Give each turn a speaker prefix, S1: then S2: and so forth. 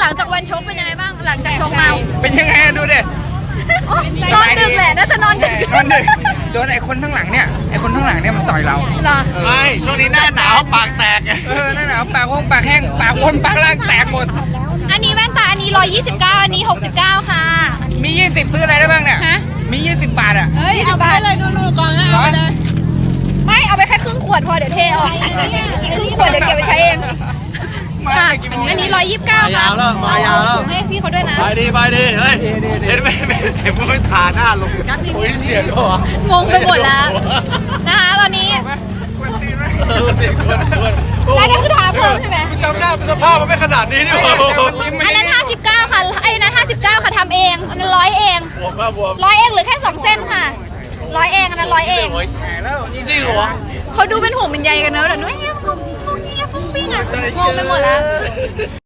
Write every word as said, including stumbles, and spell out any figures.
S1: ลังจากวันชกเป็นยังไงบ้างหลังจากชกมา
S2: เป็นยังไงดูดิ
S1: นอนดึกแหละน่าจะนอนดึก
S2: นอนดึกโดนไอ้คนข้างหลังเนี่ยไอ้คนข้างหลังเนี่ยมันต่อยเรา
S1: เหรอ
S3: ไม่ช่วงนี้หน้าหนาวปากแตกไง
S2: เออนั่นน่ะปากห้องปากแห้งปากวนปากล่างแตกหมด
S1: อันนี้แว่นตาอันนี้ร้อยยี่สิบเก้าอันนี้หกสิบเก้าค่ะ
S2: มียี่สิบซื้ออะไรได้บ้างเนี่ย
S1: ฮะ
S2: มียี่สิบบาทอ่ะ
S1: เฮ้ยเอาไปเลยดูๆก่อนเอาไปเลยไม่เอาไปแค่ครึ่งขวดพอเดี๋ยวเทออกอีกครึ่งขวดเดี๋ยวเก็บไปใช้เองค่ะอันนี้ร้อยยี่สิบเก้าค่ะ
S3: มายาวแล้วมายาวแล้ว
S1: ให้พี่เขาด้วยนะ
S3: ไปดีไปดีเฮ้ยเห็นไหมเห็นไม่ทาหน้าลงโอ้ยเสียงเหรอง
S1: งไปหมดแล้วนะคะตอนนี้
S3: เออเด็กคนคน
S1: แล้วนี่คือทาเพิ่มใช่ไหม
S3: จำหน้าสภาพมันไม่ขนาดนี้นี่หว่า
S1: อันนั้นห้าสิบเก้าค่ะไอ้นั้นห้าสิบเก้าค่ะทำเองอันนั้นร้อยเอง
S3: บวมมากบวม
S1: ร้อยเองหรือแค่สองเส้นค่ะร้อยเองอันนั้นร้อยเอง
S3: จริงเหรอ
S1: เขาดูเป็นห่วงเป็นใยกันเนอะแต่นุ้ยเงี้ยงงงเงี้ยฟุ้งฟิ้งอ่ะงงไปหมดแล้ว